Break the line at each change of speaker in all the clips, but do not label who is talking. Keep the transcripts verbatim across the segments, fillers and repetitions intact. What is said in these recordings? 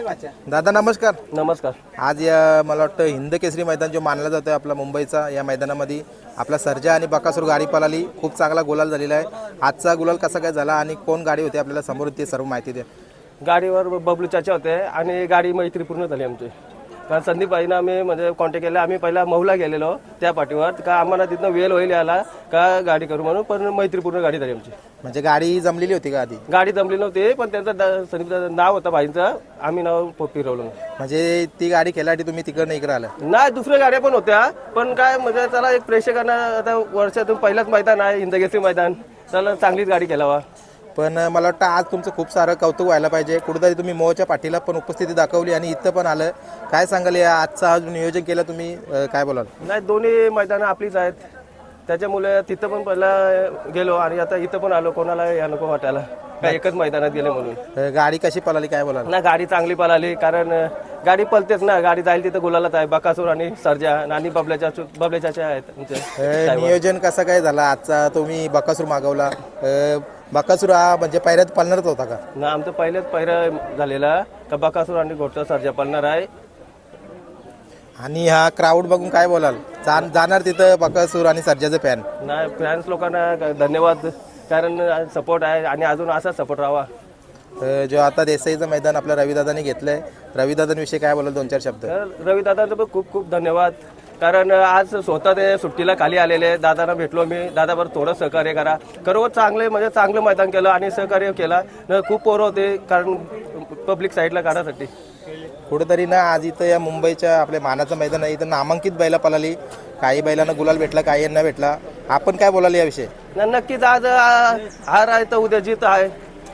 दादा नमस्कार.
नमस्कार.
आज या मला वाटतं हिंद केसरी मैदान जो मानला जातोय आपला मुंबईचा, या मैदानामध्ये आपला सर्जा आणि बकासूर गाडी पळाली, खूप चांगला गुलाल झालेला आहे. आजचा गुलाल कसा काय झाला आणि कोण गाडी होती आपल्याला समोर ती सर्व माहिती द्या.
गाडीवर बबलू चाचा होते आणि गाडी मैत्रीपूर्ण झाली आमची. कारण संदीप भाईनं आम्ही म्हणजे कॉन्टॅक्ट केला. आम्ही पहिला महुला गेलेलो त्या पाठीवर का आम्हाला तिथनं वेळ होईल याला का गाडी करू म्हणून, पण मैत्रीपूर्ण गाडी झाली आमची.
म्हणजे गाडी जमलेली होती का आधी?
गाडी जमली नव्हती, पण त्यांचं संदीपचं नाव होतं भाईंचं, आम्ही नाव फिरवलं.
म्हणजे ती गाडी खेळासाठी तुम्ही तिकडनं इकडे आला?
नाही, दुसऱ्या गाड्या पण होत्या, पण काय म्हणजे त्याला एक प्रेक्षकांना आता वर्षातून पहिलाच मैदान आहे हिंदकेसरी मैदान, त्याला चांगलीच गाडी खेळावा.
पण मला वाटतं आज तुमचं खूप सारं कौतुक व्हायला पाहिजे. कुठेतरी तुम्ही मोहच्या पाठीला पण उपस्थिती दाखवली आणि इथं पण आलं. काय सांगाल या आजचं आज नियोजन केलं तुम्ही, काय बोलाल?
नाही, दोन्ही मैदानं आपलीच आहेत, त्याच्यामुळे तिथं पण पहिला गेलो आणि आता इथं पण आलो. कोणाला या नको वाटायला काय एकच मैदानात गेले म्हणून.
गाडी कशी पळाली काय बोलाल?
ना गाडी चांगली पळाली, कारण गाडी पळतेच ना, गाडी जाईल तिथं गुलालाच आहे. बकासूर आणि सर्जा आणि बबल्याच्या बबल्याच्या आहेत.
नियोजन कसं काय झालं आजचा? तुम्ही बकासूर मागवला, बकासूर हा म्हणजे पहिल्यात पळणारच होता का?
ना, आमचं पहिलेच पहिरा झालेला का बकासूर आणि घोटचा सर्जा पळणार आहे.
आणि हा क्राऊड बघून काय बोलाल? जाणार तिथं बकासूर आणि सर्जाचं फॅन?
नाही, फॅन्स लोकांना धन्यवाद, कारण सपोर्ट आहे आणि अजून असा सपोर्ट राहावा.
जो आता देसाईचं मैदान आपल्या रविदादांनी घेतलंय, रविदादांविषयी काय बोलाल दोन चार शब्द?
रविदादांचं पण खूप खूप धन्यवाद, कारण आज स्वतः ते सुट्टीला खाली आलेले. दादांना भेटलो मी, दादावर थोडं सहकार्य करा खरोखर चांगले म्हणजे चांगलं मैदान केलं आणि सहकार्य केला. खूप पोरं होते, कारण पब्लिक साईडला काढासाठी.
कुठेतरी ना आज इथं या मुंबईच्या आपल्या मानाचं मैदान आहे, इथं नामांकित बैला पळाली. काही बैलांना गुलाल भेटला, काही यांना भेटला. आपण काय बोलाल याविषयी?
नक्कीच आज हार आहे तर उद्या जीत आहे.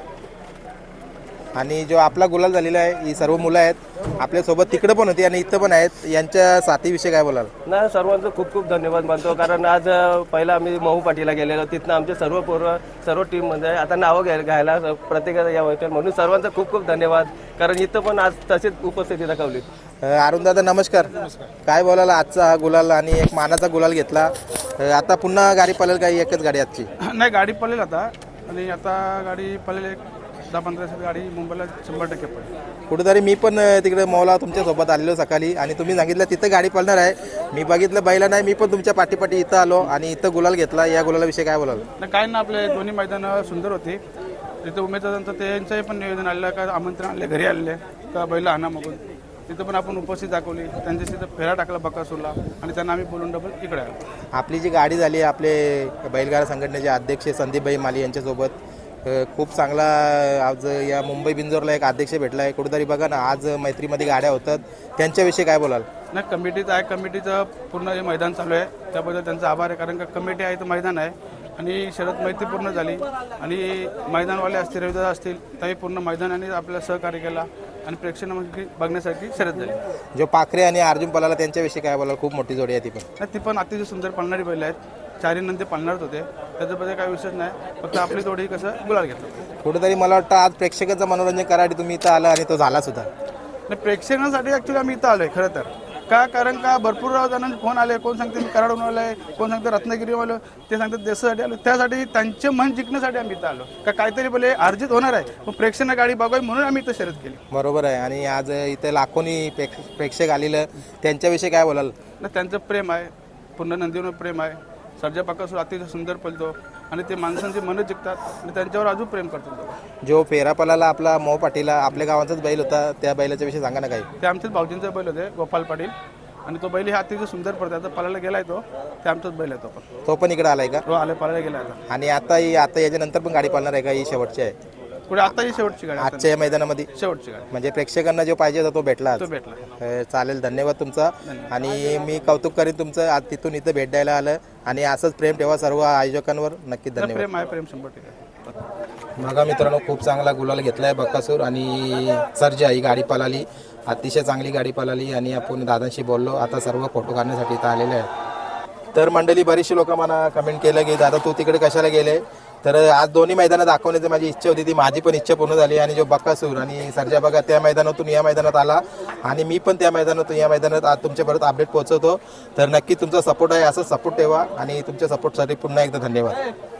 आणि जो आपला गुलाल झालेला आहे, ही सर्व मुलं आहेत आपल्यासोबत, तिकडं पण होती आणि इथं पण आहेत, यांच्या साथीविषयी काय बोलाल?
नाही, सर्वांचं खूप खूप धन्यवाद मानतो, कारण आज पहिला आम्ही महू पाटीला गेलेलो, तिथनं आमचे सर्व पोरं सर्व टीम म्हणजे आता नावं घ्याय घ्यायला प्रत्येकाला या होत्या, म्हणून सर्वांचं खूप खूप धन्यवाद, कारण इथं पण आज तशीच उपस्थिती दाखवली.
अरुण दादा नमस्कार. काय बोलाल आजचा हा गुलाल आणि एक मानाचा गुलाल घेतला, आता पुन्हा गाडी पळेल का एकच गाडी आजची?
नाही, गाडी पळेल आता, आणि आता गाडी पळेल एक दहा पंधरा दिवसात गाडी मुंबईला शंभर टक्के पडेल.
कुठेतरी मी पण तिकडे मौला तुमच्यासोबत आलेलो सकाळी आणि तुम्ही सांगितलं तिथं गाडी पळणार आहे. मी बघितलं बैला नाही, मी पण तुमच्या पाठीपाठी इथं आलो आणि इथं गुलाल घेतला. या गुलालाविषयी काय बोलाल?
नाही, काय ना, आपले दोन्ही मैदानं सुंदर होती. तिथं उमेदवारांचं त्यांचंही पण नियोजन आलेलं का आमंत्रण आले, घरी आलेले का बैला आणा मगून, तिथं पण आपण उपस्थित दाखवली. त्यांच्या तिथं फेरा टाकला बकासूरला आणि त्यांना आम्ही बोलून डबल इकडे आलो. आपली
जी गाडी झाली आपले बैलगाडा संघटनेचे अध्यक्ष संदीपभाई माली यांच्यासोबत, खूप चांगला आज या मुंबई बिंजोरला एक अध्यक्ष भेटला आहे. कुठेतरी बघा ना आज मैत्रीमध्ये गाड्या होतात, त्यांच्याविषयी काय बोलाल?
नाही, कमिटीचं आहे, कमिटीचं पूर्ण हे मैदान चालू आहे, त्याबद्दल त्यांचा आभार आहे, कारण का कमिटी आहे तर मैदान आहे आणि शरद मैत्री पूर्ण झाली आणि मैदानवाले असतील, रविदादा असतील, त्याही पूर्ण मैदानाने आपल्याला सहकार्य केला आणि प्रेक्षकांना बघण्यासाठी शरद झाली.
जो पाखरे आणि अर्जुन पलाला त्यांच्याविषयी काय बोलाल? खूप मोठी जोडी आहे ती पण.
नाही, ती पण अतिशय सुंदर पळणारी बैल आहेत, चारी नंतर पळणारच होते, त्याच्याबद्दल काही विषय नाही, फक्त आपली थोडी कसं गुलाल घेतलं.
कुठेतरी मला वाटतं आज प्रेक्षकांचं मनोरंजन करायसाठी तुम्ही इथं आला आणि तो झाला सुद्धा.
नाही, प्रेक्षकांसाठी ॲक्च्युली आम्ही इथं आलो आहे खरं तर, का कारण का भरपूर जणांचे फोन आले, कोण सांगते मी कराडून आलो आहे, कोण सांगते रत्नागिरी आलो, ते सांगतात देशासाठी आलो, त्यासाठी त्यांचे मन जिंकण्यासाठी आम्ही इथं आलो, का काहीतरी बोले अर्जित होणार आहे, पण प्रेक्षकांना गाडी बघावी म्हणून आम्ही इथं शर्यत केली.
बरोबर आहे. आणि आज इथं लाखोनी प्रेक्षक आलेलं, त्यांच्याविषयी काय बोलाल?
ना, त्यांचं प्रेम आहे, पूर्ण नंदीवर प्रेम आहे. सर्जा बकासूर अतिशय सुंदर पळतो आणि ते माणसांची मनं जिंकतात आणि त्यांच्यावर अजून प्रेम करतात.
जो फेरा पळाला आपला मो पाटीला, आपल्या गावाचाच बैल होता, त्या बैलाच्या विषयी सांगा ना काही.
ते आमच्याच भाऊजींचा बैल होते, गोपाल पाटील, आणि तो बैल हे अतिशय सुंदर पडतो. आता पळायला गेलाय तो, ते आमचाच बैल आहे तो पण.
तो पण इकडे आलाय का?
हो, आले, पळायला गेला आता.
आणि आता आता याच्यानंतर पण गाडी पळणार आहे का? ही शेवटची आहे
पुढे, आता ही शेवटची गाडी,
आजच्या या मैदानामध्ये
शेवटची गाडी.
म्हणजे प्रेक्षकांना जो पाहिजे होता तो भेटला,
तो भेटला.
चालेल, धन्यवाद तुमचा. आणि मी कौतुक करेन तुमचं, आज तिथून इथं भेट द्यायला आलं आणि असंच प्रेम ठेवा सर्व आयोजकांवर. नक्की धन्यवाद.
प्रेम आहे, प्रेम शंभर टक्के.
बघा मित्रांनो, खूप चांगला गुलाल घेतलाय बकासूर आणि सर्जा, ही गाडी पळाली, अतिशय चांगली गाडी पळाली आणि आपण दादांशी बोललो. आता सर्व फोटो काढण्यासाठी इथं आलेले आहेत. तर मंडळी बरीचशी लोक मला कमेंट केलं की दादा तू तिकडे कशाला गेले, तर आज दोन्ही मैदानात दाखवण्याची माझी इच्छा होती, ती माझी पण इच्छा पूर्ण झाली. आणि जो बकासूर आणि सर्जा बघा त्या मैदानातून या मैदानात आला आणि मी पण त्या मैदानातून या मैदानात आज तुमच्यापर्यंत अपडेट पोहोचवतो. तर नक्की तुमचा सपोर्ट आहे, असं सपोर्ट ठेवा आणि तुमच्या सपोर्टसाठी पुन्हा एकदा धन्यवाद.